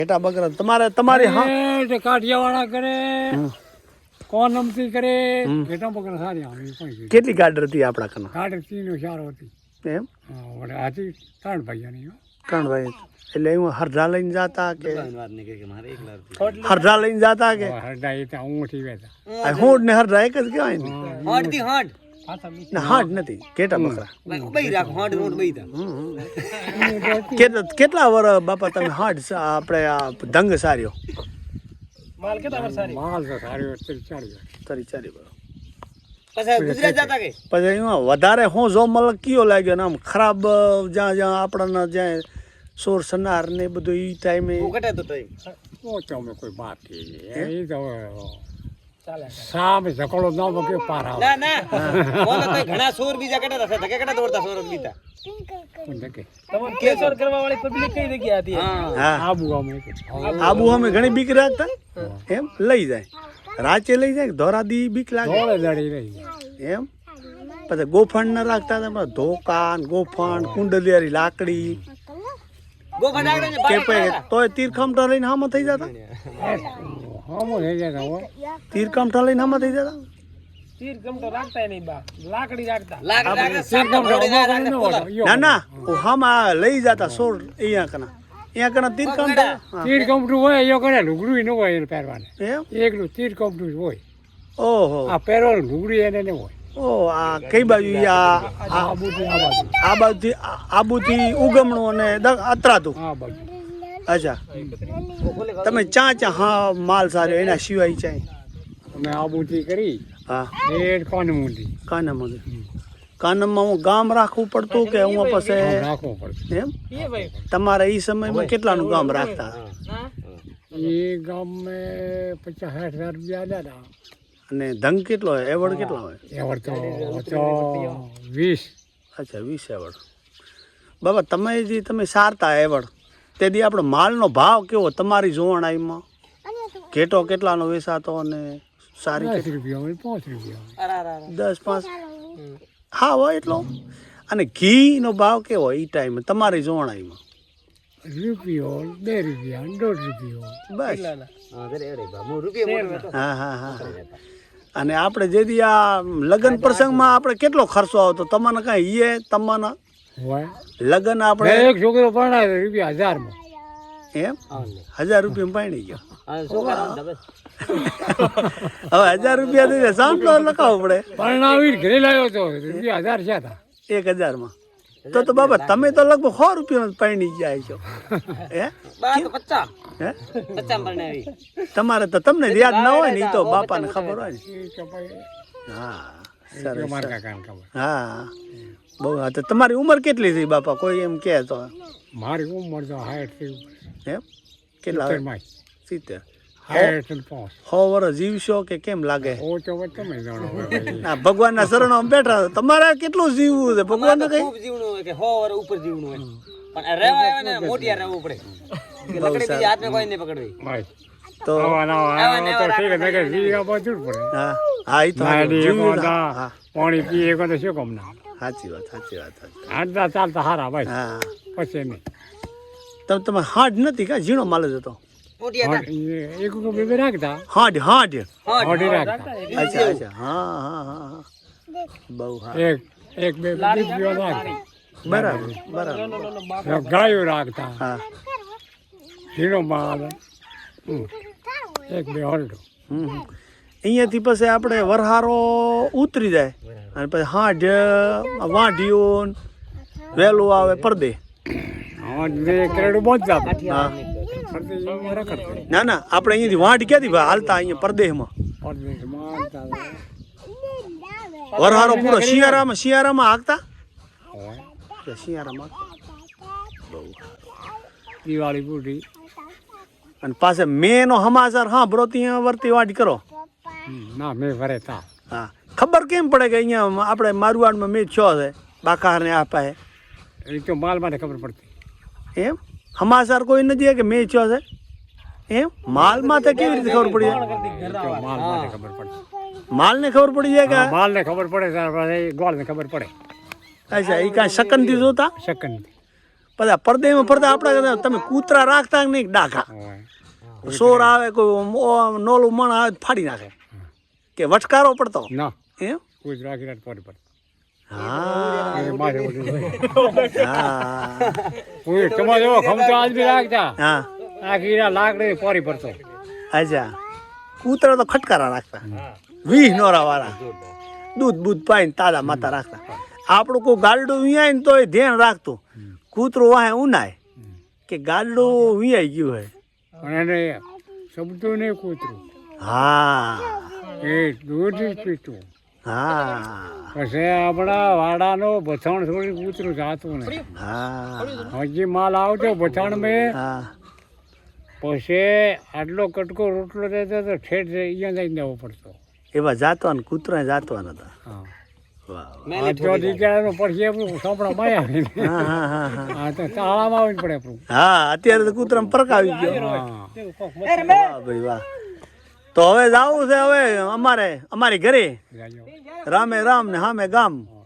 ઘેટા બકરા તમારી હા કાઠિયાવાડા કરે કોણ નમતી કરે ઘેટા બકરા સારી આવે કેટલી ગાડર હતી આપણા કના ગાડર 3 4 હતી એમ આજે 3 ભાઈઓની ત્રણ ભાઈ એટલે હું હરધા લઈને જાતા કે હરધા લઈને જાતા કે હરડા એ ત્યાં ઊંઠી બેઠા હોડ ને હરધા એક જ કહેવાય ને હાડથી હાડ ના હાડ નથી ઘેટા બકરા બઈ રાખો હાડ રોડ બઈ તા કેટલા વર બાપા તમે હાડ આપણે આ ધંગ સાર્યો માલ તો સારી તરી ચારી વર પછી ગુજરાત જતા કે પછી એમાં વધારે હું જો મલ કયો લાગ્યો ને આમ ખરાબ જ્યાં આપણને જ્યાં સોર સનાર ને બધું એ ટાઈમે ઘટે તો તઈ અમે કોઈ વાત એ તો સામે ઝકડો ન બકે પાર આવે ના ના બોલો તઈ ઘણા સોર બીજા કટા હતા ધકે કટા દોડતા સોર બીતા તમને કેસર કરવા વાળી પબ્લિક કઈ જગ્યા હતી હા આબુ અમે ઘણી બીક રાખતા એમ લઈ જાય રાચે લઈ જાય ધોરાદી બીક લાગે એમ પછી ગોફણ ના રાખતા હતા ધોકા ગોફણ કુંડલિયારી લાકડી ગોફા ડાગડે કે પછી તોય તીરખમઠા લઈને હામાં થઈ જતા તીરખમઠા લઈને હામાં થઈ જતા ના ના હામાં લઈ જતા સોળ અહીંયા કના તીરકમઠું હોય એ કરે લુગડું ન હોય એને પહેરવાને એમ એકલું તીરકમઠું હોય ઓહો આ પહેરવાનું લુગડું એને ને હોય ઓ આ કઈ બાજુ આબુથી ઉગમણું અને અત્રાતું અચ્છા તમે ચા હા માલ સારો એના સિવાય ચાય અમે આબુથી કરી હા કાનમુંડી કાનમમાં હું ગામ રાખવું પડતું કે હું પછી રાખવું પડતું એમ તમારા એ સમયમાં કેટલાનું ગામ રાખતા એ ગામ મેં 50,000 રૂપિયા આલ્યા અને ધંગ કેટલો હોય એવડ કેટલો હોય એવડ તો 20 અચ્છા 20 એવડ બાબા તમે સારતા એવડ તેથી આપણો માલનો ભાવ કેવો તમારી જોવણાઈમાં ઘેટો કેટલાનો વેચાતો અને સારી 10 રૂપિયા 5 રૂપિયા 10 5 હા હોય એટલો અને ઘીનો ભાવ કેવો એ ટાઈમે તમારી જોવણાઈમાં રૂપિયો 2 રૂપિયા 1.5 રૂપિયો બસ હા અને આપણે જેથી આ લગ્ન પ્રસંગમાં આપણે કેટલો ખર્ચો આવતો તમને કાંઈ એ તમને હોય લગ્ન આપણે એક છોકરો પરણાવે રૂપિયા 1000 માં એમ 1000 રૂપિયા પાણી ગયો હવે 1000 રૂપિયા દઈને સાંભળો લખાવવો પડે પરણાવી ઘરે લાવ્યો તો રૂપિયા 1000 છે હતા 1000 માં તો બાબા તમે તો લગભગ 100 રૂપિયા પાણી જાય છો હે 50 હે 50 પરણાવી તમારે તો તમને યાદ ન હોય ને એ તો બાપાને ખબર હોય ને હા સરસ હા બહુ હા તો તમારી ઉંમર કેટલી થઈ બાપા કોઈ એમ કહે તો મારી ઉંમર તો 60 એમ કેટલા 70 100 વર્ષ જીવશો કે કેમ લાગે તમે જાણો ના ભગવાનના શરણોમાં બેઠા તમારે કેટલું જીવવું છે ભગવાન ખૂબ જીવનું હોય કે 100 વર્ષ ઉપર જીવનું હોય પણ રહેવા આવે ને મોટિયા રહેવું પડે લકડી બીજી હાથને કોઈ નહીં પકડવી તો હા એ તો પાણી પીએ તો શું કામ ના સાચી વાત હાડતા ચાલતા હારા ભાઈ હા પછી નહીં તમે હાડ નથી કા ઝીણો માલ જ હતો એક બે રાખતા હાડ રાખતા અચ્છા હા બહુ હા એક બે દીકરીઓ રાખતા બરાબર ગાયો રાખતા હા ઝીણો માલ એક બે હરડો અહીંયાથી પછી આપણે વરહારો ઉતરી જાય અને પછી હાડ વાઢીઓ વહેલું આવે પડદે ના ના આપણે અહીંયાથી વાઢ ક્યાંથી હાલતા અહીંયા પરદેશમાં વરહારો પૂરો શિયાળામાં હાંકતા શિયાળામાં દિવાળી પૂરી અને પાસે મેં નો સમાચાર સાંભળો ત્યાં વર્તી વાઢ કરો ના મેં ભરે તા હા ખબર કેમ પડે કે અહીંયા આપણે મારવાડમાં મેં છો છે બાકાહાર ને આપા હે એ તો માલ માટે ખબર પડતી એમ સમાચાર કોઈ નથી કે મેં છો છે એમ માલ માથે કેવી રીતે ખબર પડી જાય માલ માટે ખબર પડતી માલ ને ખબર પડી જાય કે માલ ને ખબર પડે ત્યાર પછી ગોળ ને ખબર પડે અચ્છા એ કાંઈ સેકન્ડ થી જોતા સેકન્ડ પછી પડદેમાં ફરતા આપણા તમે કૂતરા રાખતા કે નહીં ડાઘા હોય. સોર આવે કોઈ નોલું મણ આવે તો ફાડી નાખે કે વટકારો પડતો ના એમ કૂતરું આખી રાત પોરી પર હા એ માથે ઉડી હોય. હા કોઈ તમારે એવો ખમતો આજ બી રાખતા હા આખી રાત લાકડી પોરી પડતો. અચ્છા કૂતરા તો ખટકારા રાખતા 20 નોરા વાળા દૂધ બૂધ પાઈને તાજા માતા રાખતા આપણું કોઈ ગાલડું વિયાય ને તો એ ધ્યાન રાખતું કૂતરું વાહે ઉનાય કે ગાલડું વિયાઈ ગયું હોય પણ એને સમજતું નહીં કૂતરું. હા એ દૂધ જ પીતું. હા પછી આપણા વાડાનો બથાણ છોડી કૂતરું જાતું નહીં. હા હજી માલ આવતો બથાણ મેં હા પછી આટલો કટકો રોટલો દેતો તો ઠેઠ અહીંયા જઈને દેવો પડતો. એવા જાતવાન કૂતરા જાતવાન હતા હા વાહ આ તો દીકરાનો પછી આપણું સાંભળા માયા આવીને હા હા હા હા આ તો તાળામાં આવીને પડે આપણું. હા અત્યારે તો કૂતરામાં ફરક આવી ગયો હા વાહ ભાઈ વાહ તો હવે જાવું છે હવે અમારી ઘરે જાજો. રામે રામ ને હામે ગામ